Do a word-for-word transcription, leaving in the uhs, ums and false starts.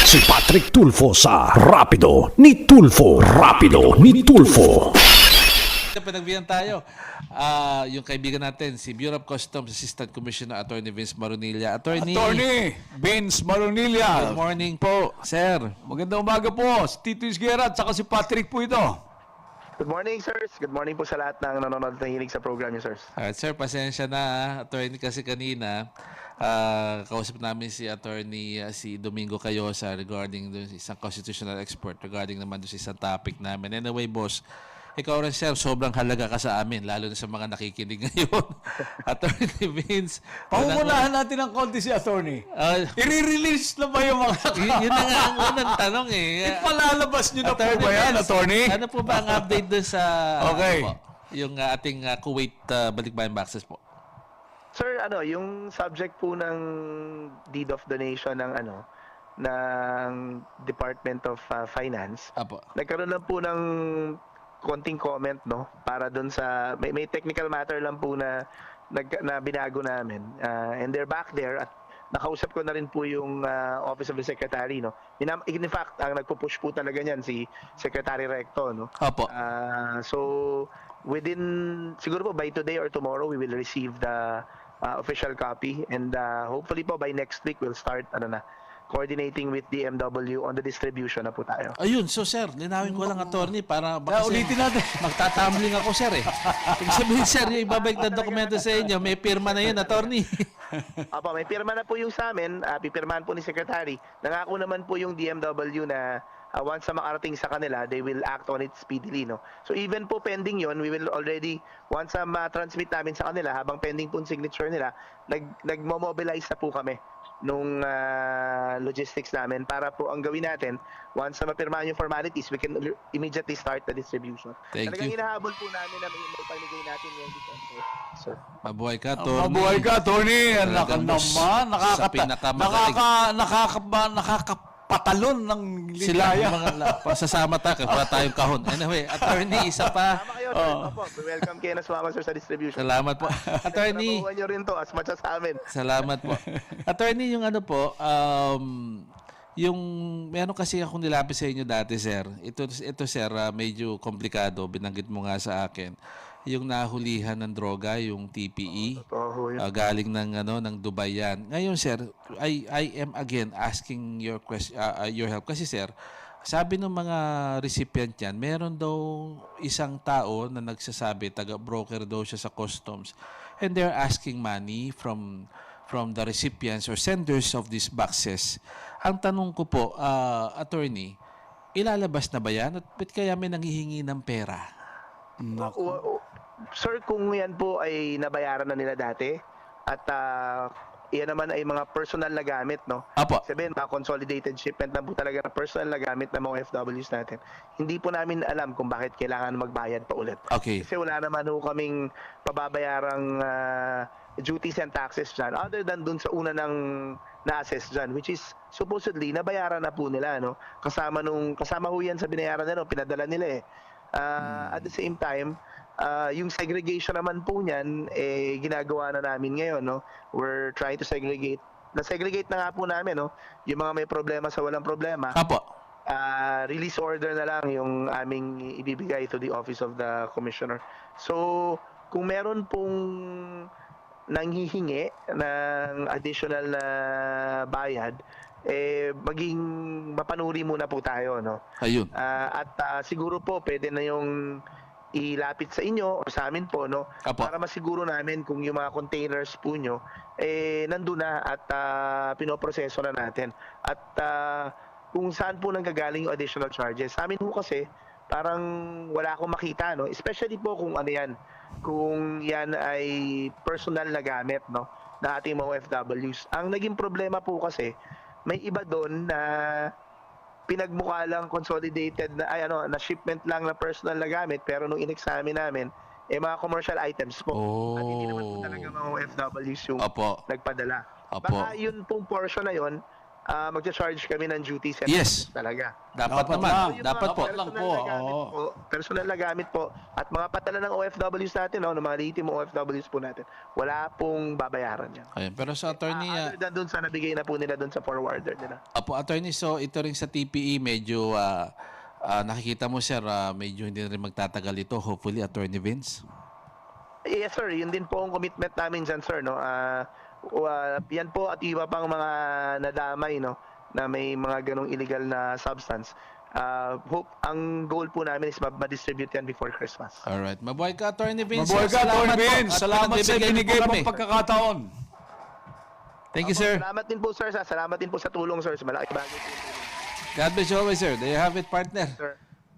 Si Patrick Tulfo sa Rapido ni Tulfo. Rapido ni Tulfo. Pinagbihan tayo. Ah, yung kaibigan natin, si Bureau of Customs Assistant Commissioner Attorney Vince Maronilla. Attorney, Attorney Vince good Maronilla. morning po, sir. Magandang umaga po. Si Tito Isguera at saka si Patrick po ito. Good morning, sirs. Good morning po sa lahat ng nanonood at nahilig sa program niyo, sirs. Alright, sir, pasensya na. ah. Attorney, kasi kanina, ah, kausap namin si Attorney ah, si Domingo Cayosa regarding dun sa isang constitutional expert regarding naman dun sa isang topic namin. Anyway, boss, ikaw rin, sir, sobrang halaga ka sa amin, lalo na sa mga nakikinig ngayon. Attorney Vince. Pangungunahan natin ng konti si Attorney. Ah, I-release na ba yung mga y- yun na nga ang unang tanong eh. Ipalalabas nyo na po ba yan, Vince, Attorney? Ano po ba ang update dun sa Okay. ano po, yung ah, ating ah, Kuwait uh, balikbayan boxes po? Sir, ano, yung subject po ng deed of donation ng ano ng Department of uh, Finance, Apo. nagkaroon lang po ng konting comment, no, para doon sa may, may technical matter lang po na nag, na binago namin. Uh, and they're back there at nakausap ko na rin po yung uh, Office of the Secretary, no. In, in fact, ang nagpo-push po talaga niyan si Secretary Recto, no. Apo. Uh, so within siguro po by today or tomorrow we will receive the uh, official copy, and uh, hopefully po by next week we'll start ano na coordinating with D M W on the distribution na po tayo. Ayun, so sir, linawin ko lang, attorney, para Kaya baka ulitin natin. magtatumbling ako, sir eh. Ibig sabihin, sir, yung ibabalik na dokumento sa inyo, may pirma na yun, attorney. Apo, may pirma na po yung sa amin, uh, pipirmahan po ni Secretary. Nangako naman po yung D M W na uh, once na makarating sa kanila, they will act on it speedily, no. So even po pending yon, we will already, once na ma-transmit namin sa kanila, habang pending po yung signature nila, nag nagmo-mobilize na po kami nung uh, logistics namin para po ang gawin natin, once na mapirmahan yung formalities, we can immediately start the distribution. Thank Talagang you. hinahabol po namin na may pamigay natin yung December. So, Mabuhay ka, attorney. Mabuhay ka, Attorney. Anak Talagang boss, naman. sa Nakakata, pinakamagaling. nakaka, nakaka, nakakapatalon ng Sila, ligaya. mga la- pasasama tayo, para tayong kahon. Anyway, attorney, isa pa. tama kayo, sir. Oh. Opo, welcome kayo na sumama, sir, sa distribution. Salamat po. Attorney, Nakuha nyo rin to as much as sa amin. salamat po. Attorney, yung ano po, um, yung meron kasi akong nilapit sa inyo dati, sir. Ito, ito sir, ah, medyo komplikado. Binanggit mo nga sa akin. Yung nahulihan ng droga, yung T P E. Oo, yun. Ah, galing ng ano ng Dubai yan. Ngayon sir, I I am again asking your question your help kasi sir, sabi ng mga recipient yan, meron daw isang tao na nagsasabi taga broker daw siya sa customs, and they're asking money from from the recipients or senders of these boxes. Ang tanong ko po, ah, attorney, ilalabas na ba yan? At ba't kaya may nanghihingi ng pera? O- o- Sir, kung yan po ay nabayaran na nila dati at uh, yan naman ay mga personal na gamit, no? Apo. Sabihin, mga consolidated shipment na po talaga na personal na gamit ng mga F Ws natin. Hindi po namin alam kung bakit kailangan magbayad pa ulit. Okay. Kasi wala naman ho kaming pababayarang uh, duties and taxes dyan other than dun sa una ng na-assess dyan, which is supposedly nabayaran na po nila, no? Kasama nung kasama ho yan sa binayaran nila, no? Pinadala nila eh. Uh, At the same time, uh, yung segregation naman po niyan, eh, ginagawa na namin ngayon, no? We're trying to segregate. Na-segregate na nga po namin, no? Yung mga may problema sa walang problema. Apo. Uh, release order na lang yung aming ibibigay to the Office of the Commissioner. So, kung meron pong nanghihingi ng additional na bayad, eh maging mapanuri muna po tayo, no? Ayun. Ah, at ah, siguro po pwede na yung ilapit sa inyo o sa amin po, no? Apo. Para masiguro namin kung yung mga containers po nyo eh nandun na at ah, pinoproseso na natin. At ah, kung saan po nanggagaling yung additional charges. Sa amin po kasi parang wala akong makita, no? Especially po kung ano yan, kung yan ay personal na gamit, no, na ating mga O F Ws. Ang naging problema po kasi may iba doon na pinagmukha lang consolidated na ay ano na shipment lang na personal na gamit, pero nung in-examine namin eh mga commercial items po. At hindi naman po Oh. talaga mga O F Ws yung Apo. nagpadala. Apo. Baka yun pong portion na yun uh, magcha-charge kami ng duties and Yes. talaga. Dapat, Dapat naman. lang. Yung Dapat mga po. lang personal po, na gamit oo. po, personal na gamit po, at mga patala ng O F Ws natin, no, ng mga legitimate O F Ws po natin, wala pong babayaran yan. Ayun. Pero sa attorney, Ah, ah, other than dun sa nabigay na po nila dun sa forwarder nila. Apo, attorney, so ito rin sa T P E, medyo ah, ah, nakikita mo, sir, ah, medyo hindi na rin magtatagal ito. Hopefully, Attorney Vince. Yes sir, yun din po ang commitment namin dyan sir, no. Ah, uh, yan po at iba pang mga nadamay, no, na may mga ganong illegal na substance. Ah, hope ang goal po namin is ma- ma-distribute yan before Christmas. Alright. Mabuhay ka, Attorney Vince. Mabuhay ka, Salamat Atty. po. Vince. At Salamat sa pinagbibigyan niyo binigay po mong kami. pagkakataon. Thank you, Opo, sir. Salamat din po sir, sa salamat din po sa tulong sir. Malaking bagay po. God bless you always, sir. There you have it, partner. Sir.